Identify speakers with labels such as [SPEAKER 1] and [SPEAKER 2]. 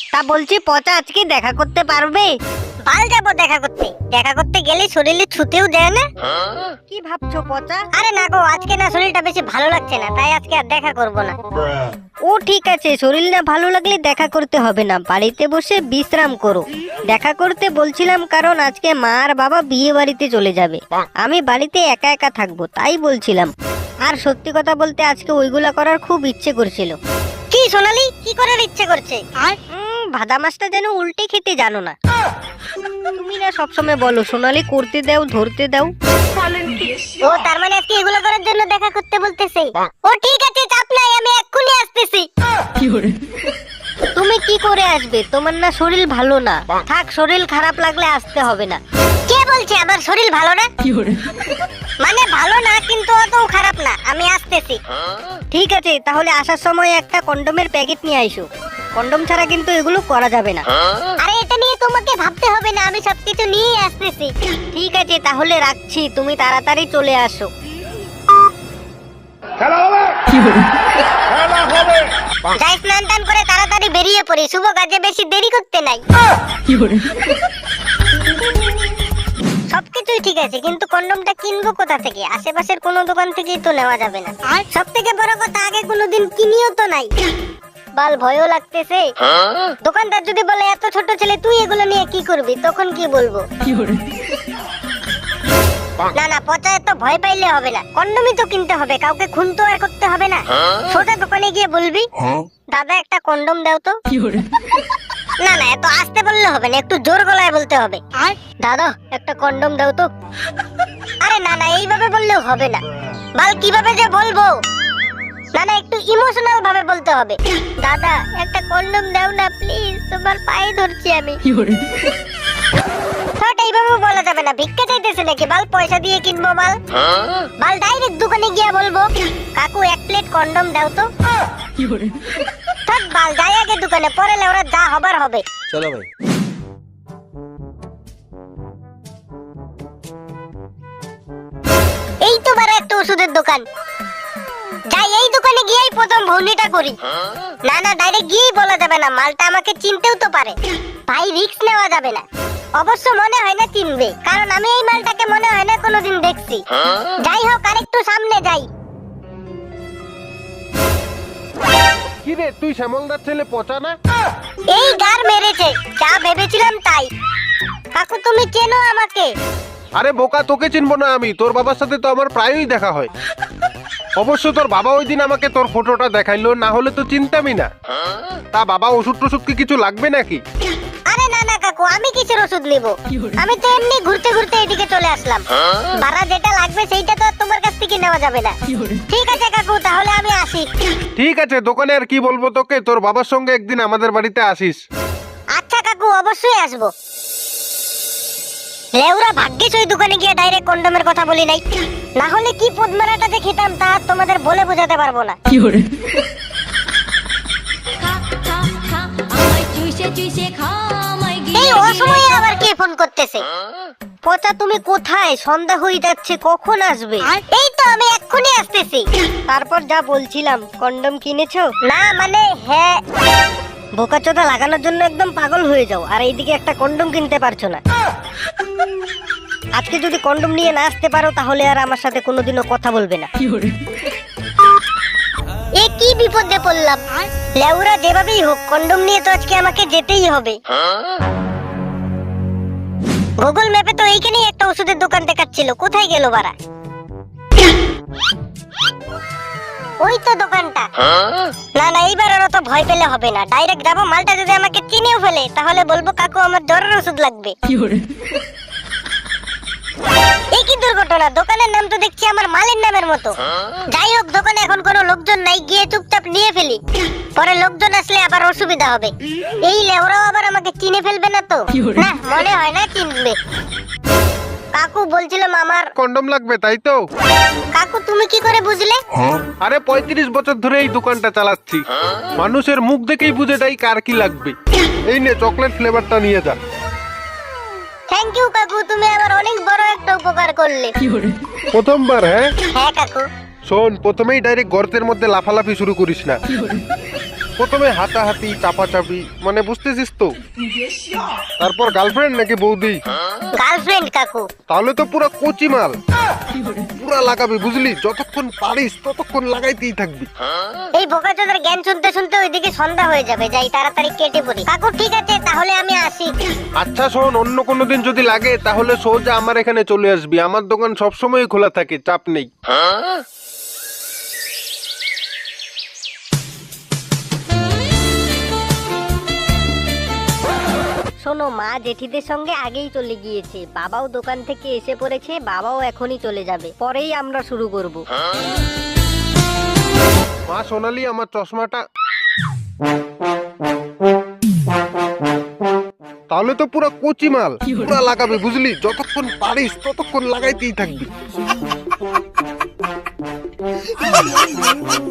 [SPEAKER 1] তা বলছি পচা আজকে দেখা করতে পারবে?
[SPEAKER 2] বাল যাবো দেখা করতে গেলে শরীরে ছুতেও দেয় না।
[SPEAKER 1] কি ভাবছো পচা?
[SPEAKER 2] আরে না গো, আজকে না শরীরটা বেশি ভালো লাগছে না, তাই আজকে আর দেখা করব না।
[SPEAKER 1] ও ঠিক আছে, শরীর না ভালো লাগলে দেখা করতে হবে না, বাড়িতে বসে বিশ্রাম করো। দেখা করতে বলছিলাম কারণ আজকে মা আর বাবা বিয়ে বাড়িতে চলে যাবে, আমি বাড়িতে একা একা থাকবো তাই বলছিলাম। আর সত্যি কথা বলতে আজকে ওইগুলা করার খুব ইচ্ছে করছিল।
[SPEAKER 2] কি সোনালি, কি করার ইচ্ছে করছে?
[SPEAKER 1] আর ভাদা মাছটা যেন উল্টে খেতে জানো না। তুমি না সবসময় বলো সোনালি করতে দাও, ধরতে দাও।
[SPEAKER 2] ও তার মানে আজকে এগুলো করার জন্য দেখা করতে বলতেছে। ও ঠিক আছে, চাপ নাই, আমি এক্ষুনি আসতেছি।
[SPEAKER 1] তুমি কি করে আসবে? তোমার না শরীর ভালো না। থাক, শরীর খারাপ লাগলে আসতে হবে না।
[SPEAKER 2] কে বলছে আমার শরীর ভালো না? মানে ভালো না, কিন্তু অত খারাপ না, আমি আসতেছি।
[SPEAKER 1] ঠিক আছে, তাহলে আসার সময় একটা কন্ডোমের প্যাকেট নিয়ে আইসো। কন্ডোম ছাড়া কিন্তু এগুলো করা যাবে না।
[SPEAKER 2] আরে এটা নিয়ে তোমাকে ভাবতে হবে না, আমি সবকিছু নিয়ে আসতেছি।
[SPEAKER 1] ঠিক আছে, তাহলে রাখছি, তুমি তাড়াতাড়ি চলে আসো।
[SPEAKER 2] যাই স্নান টান করে তাড়াতাড়ি বেরিয়ে পড়ি, শুভ কাজে বেশি দেরি করতে নাই। সবকিছুই ঠিক আছে, কিন্তু কন্ডমটা কিনবো কোথা থেকে? আশেপাশের কোনো দোকান থেকেই তো নেওয়া যাবে না। আর সব থেকে বড় কথা, আগে কোনোদিন কিনিও তো নাই। বাল ভয়ও লাগতেছে। দোকানদার যদি বলে এত ছোট ছেলে তুই এগুলো নিয়ে কি করবি, তখন কি বলবো? না না, পচা এত ভয় পাইলে হবে না, কন্ডমই তো কিনতে হবে, কাউকে খুন তো আর করতে হবে না। সোজা দোকানে গিয়ে বলবি দাদা একটা কন্ডম দাও তো। না না, এত আস্তে বললে হবে না, একটু জোর গলায় বলতে হবে। আর দাদা একটা কন্ডম দাও তো। আরে না না, এইভাবে বললেও হবে না। বাল কিভাবে যে বলবো? না না, একটু ইমোশনাল ভাবে বলতে হবে। দাদা একটা কন্ডম দাও না প্লিজ, তোমার পায়ে ধরছি আমি। এইভাবে বলা যাবে না, ভিক্ষা চাইতেছে নাকি? বাল পয়সা দিয়ে কিনবো মাল। বাল ডাইরেক্ট দোকানে গিয়ে বলবো কাকু এক প্লেট কন্ডম দাও তো। থাক বাল, যাই আগে দোকানে, পরে ওরা যা হবার হবে।
[SPEAKER 3] চলো ভাই।
[SPEAKER 2] এই তো বড় একটা ওষুধের দোকান, যাই এই দোকানে গিয়েই প্রথম ভৌনিটা করি। না না, ডাইরেক্ট গিয়েই বলা যাবে না, মালটা আমাকে চিনতেও তো পারে। ভাই রিস্ক নেওয়া যাবে না। অবশ্য মনে হয় না চিনবে, কারণ আমি এই মালটাকে মনে হয় না কোনোদিন দেখছি। যাই হোক, আরেকটু সামনে যাই।
[SPEAKER 3] কি রে, তুই শ্যামলদার ছেলে পচা না?
[SPEAKER 2] এই গার মেরেছে, যা ভেবেছিলাম তাই। কাকু তুমি চেনো আমাকে?
[SPEAKER 3] আরে বোকা, তোকে চিনবো না আমি? তোর বাবার সাথে তো আমার প্রায়ই দেখা হয়। অবশ্য তোর বাবা ওই দিন আমাকে তোর ফটোটা দেখাইলো, না হলে তো চিনতামই না। তা বাবা ওষুধ টষুধ কি কিছু লাগবে নাকি?
[SPEAKER 2] আরে না না কাকু, আমি কিসের ওষুধ নিব? আমি তো এমনি ঘুরতে ঘুরতে এদিকে চলে আসলাম। ভাড়া যেটা লাগবে সেইটা তো আর তোমার কাছ থেকে নেওয়া যাবে না। ঠিক আছে কাকু, তাহলে আমি আসি।
[SPEAKER 3] ঠিক আছে, দোকানে আর কি বলবো তোকে, তোর বাবার সঙ্গে একদিন আমাদের বাড়িতে আসিস।
[SPEAKER 2] আচ্ছা কাকু, অবশ্যই আসবো। লেউরা ভাগ্যিস ওই দোকানে গিয়ে ডাইরেক্ট কন্ডমের কথা বলি নাই, না হলে কি পদ্মারাটা যে খেতাম তা তোমাদের বলে বোঝাতে পারবো না। এই অসময়ে আবার কে ফোন করতেছে?
[SPEAKER 1] পচা তুমি কোথায়? সন্ধ্যা হয়ে যাচ্ছে, কখন আসবে?
[SPEAKER 2] এই তো আমি এক্ষুনি আসতেছি।
[SPEAKER 1] তারপর যা বলছিলাম, কন্ডম কিনেছো?
[SPEAKER 2] না মানে হ্যাঁ।
[SPEAKER 1] বোকাচোদা লাগানোর জন্য একদম পাগল হয়ে যাও, আর এইদিকে একটা কন্ডম কিনতে পারছো না। আজকে যদি কন্ডম নিয়ে না আসতে পারো তাহলে আর আমার সাথে কোনোদিনও কথা বলবে না।
[SPEAKER 2] এ কি বিপদে পড়লাম? লেউরা যেভাবেই হোক কন্ডম নিয়ে তো আজকে আমাকে যেতেই হবে। গুগল ম্যাপে তো এইখানেই একটা ওষুধের দোকান দেখাচ্ছিল, কোথায় গেল বাড়া? ওই তো দোকানটা। না না, এইবার আর অত ভয় পেলে হবে না, ডাইরেক্ট যাবো। মালটা যদি আমাকে চিনেও ফেলে তাহলে বলবো কাকু আমার জ্বরের ওষুধ লাগবে। এই কি দুর্ঘটনা, দোকানের নাম তো দেখছি আমার মালের নামের মতো। যাই হোক, দোকানে এখন কোনো লোকজন নাই, গিয়ে চুপচাপ নিয়ে ফেলি, পরে লোকজন আসলে আবার অসুবিধা হবে। এই লেওরাও আবার আমাকে চিনে ফেলবে না তো? না, মনে হয় না চিনবে। কাকু বলছিলাম আমার
[SPEAKER 3] কন্ডম লাগবে, তাই তো?
[SPEAKER 2] কাকু তুমি কি করে বুঝলে?
[SPEAKER 3] আরে 35 বছর ধরে এই দোকানটা চালাচ্ছি, মানুষের মুখ দেখেই বুঝে যাই কার কি লাগবে। এই নে চকলেট ফ্লেভারটা নিয়ে যা।
[SPEAKER 2] থ্যাংক ইউ কাকু, তুমি আমার অনেক বড় একটা উপকার করলে।
[SPEAKER 3] প্রথমবার? হ্যাঁ
[SPEAKER 2] হ্যাঁ কাকু।
[SPEAKER 3] শোন, প্রথমেই ডাইরেক্ট গর্তের মধ্যে লাফালাফি শুরু করিস না। প্রথমে হাতাহাতি চাপাচাপি, মানে বুঝতেছিস তো? তারপর গার্লফ্রেন্ড নাকি বৌদি?
[SPEAKER 2] গার্লফ্রেন্ড কাকু।
[SPEAKER 3] তাহলে তো পুরো কচি মাল, পুরা লাগাবি বুঝলি, যতক্ষণ পারিস ততক্ষণ লাগাইতেই থাকবি।
[SPEAKER 2] এই বোকাচোদার জ্ঞান শুনতে শুনতে ওইদিকে সন্ধ্যা হয়ে যাবে, যাই তাড়াতাড়ি কেটে পড়ি। কাকু ঠিক আছে, তাহলে আমি আসি।
[SPEAKER 3] আচ্ছা শোন, অন্য কোনো দিন যদি লাগে তাহলে সোজা আমার এখানে চলে আসবি, আমার দোকান সবসময় খোলা থাকে, চাপ নেই।
[SPEAKER 1] শোনো, মা জেঠিদের সঙ্গে আগেই চলে গিয়েছে, বাবাও দোকান থেকে এসে পড়েছে, বাবাও এখনই চলে যাবে, পরেই আমরা শুরু করব।
[SPEAKER 3] মা সোনালি, আমার চশমাটা। তাহলে তো পুরো কচি মাল, পুরা লাগাবি বুঝলি, যতক্ষণ পারিস ততক্ষণ লাগাইতেই থাকবি।